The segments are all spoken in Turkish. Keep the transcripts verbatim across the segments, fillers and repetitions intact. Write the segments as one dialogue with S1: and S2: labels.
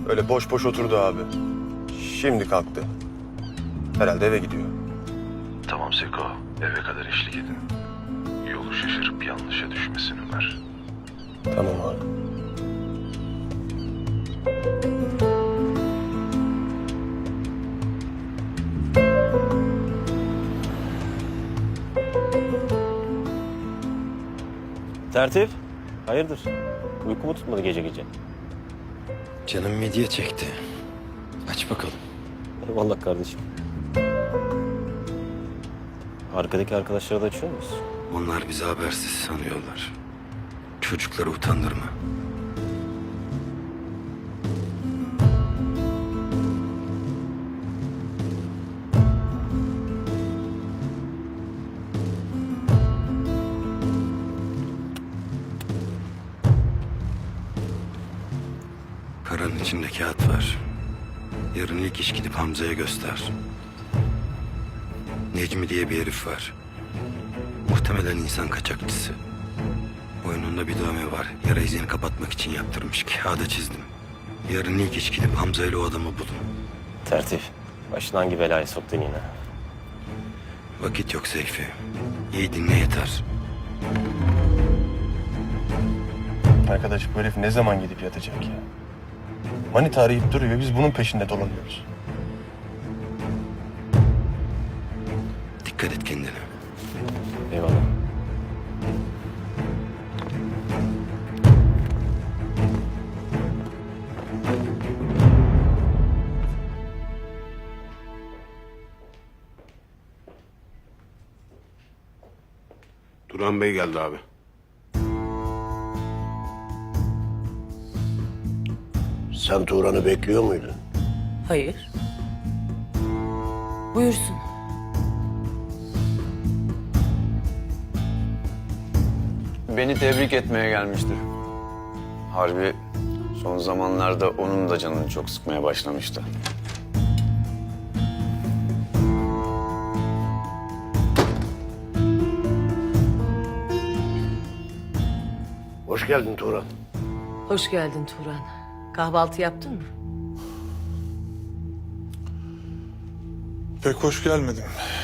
S1: Öyle boş boş oturdu abi. Şimdi kalktı. Herhalde eve gidiyor.
S2: Tamam Seko, eve kadar eşlik edin. Yolu şaşırıp yanlışa düşmesin Ömer.
S1: Tamam abi.
S3: Tertip, hayırdır? Uyku mu tutmadı gece gece?
S4: Canım midye çekti. Aç bakalım.
S3: Eyvallah kardeşim. Arkadaki arkadaşlara da açıyor muyuz?
S4: Onlar bizi habersiz sanıyorlar. Çocukları utandırma. Paranın içinde kağıt var. Yarın ilk iş gidip Hamza'ya göster. Necmi diye bir herif var. Muhtemelen insan kaçakçısı. Boynunda bir dövme var. Yara izini kapatmak için yaptırmış. Kağıda çizdim. Yarın ilk iş gidip Hamza ile o adamı bulun.
S3: Tertip, başına hangi belaya soktun yine?
S4: Vakit yok Seyfi. İyi dinle yeter.
S1: Arkadaş bu herif ne zaman gidip yatacak ya? Manita arayıp duruyor. Biz bunun peşinde dolanıyoruz.
S4: Dikkat et kendine.
S3: Eyvallah.
S5: Turan Bey geldi abi.
S6: Sen Turan'ı bekliyor muydun?
S7: Hayır. Buyursun.
S8: Beni tebrik etmeye gelmiştir. Harbi son zamanlarda onun da canını çok sıkmaya başlamıştı.
S6: Hoş geldin Turan.
S7: Hoş geldin Turan. Kahvaltı yaptın mı?
S9: Pek hoş gelmedim.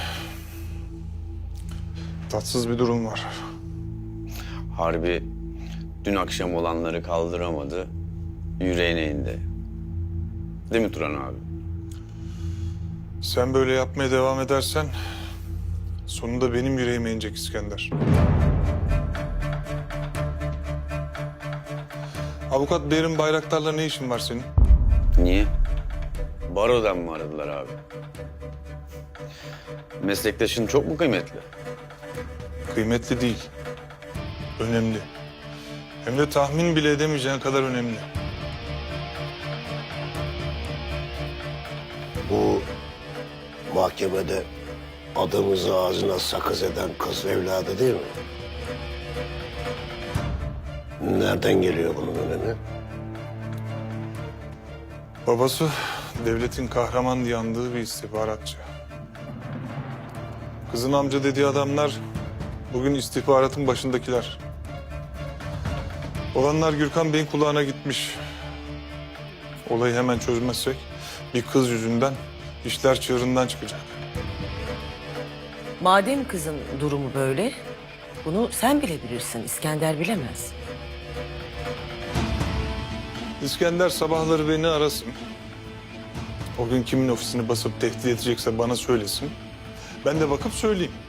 S9: Tatsız bir durum var.
S8: Harbi dün akşam olanları kaldıramadı, yüreğine indi. Değil mi Turan abi?
S9: Sen böyle yapmaya devam edersen sonunda benim yüreğime inecek İskender. Avukat Behrim Bayraktar'la ne işin var senin?
S8: Niye? Barodan mı aradılar abi? Meslektaşın çok mu kıymetli?
S9: Kıymetli değil. Önemli. Hem de tahmin bile edemeyeceğin kadar önemli.
S6: Bu mahkemede adımızı ağzına sakız eden kız evladı değil mi? Nereden geliyor bunun önemi?
S9: Babası devletin kahraman diye andığı bir istihbaratçı. Kızın amca dediği adamlar bugün istihbaratın başındakiler. Olanlar Gürkan Bey'in kulağına gitmiş. Olayı hemen çözmezsek bir kız yüzünden işler çığırından çıkacak.
S7: Madem kızın durumu böyle, bunu sen bilebilirsin. İskender bilemez.
S9: İskender sabahları beni arasın. O gün kimin ofisini basıp tehdit edecekse bana söylesin. Ben de bakıp söyleyeyim.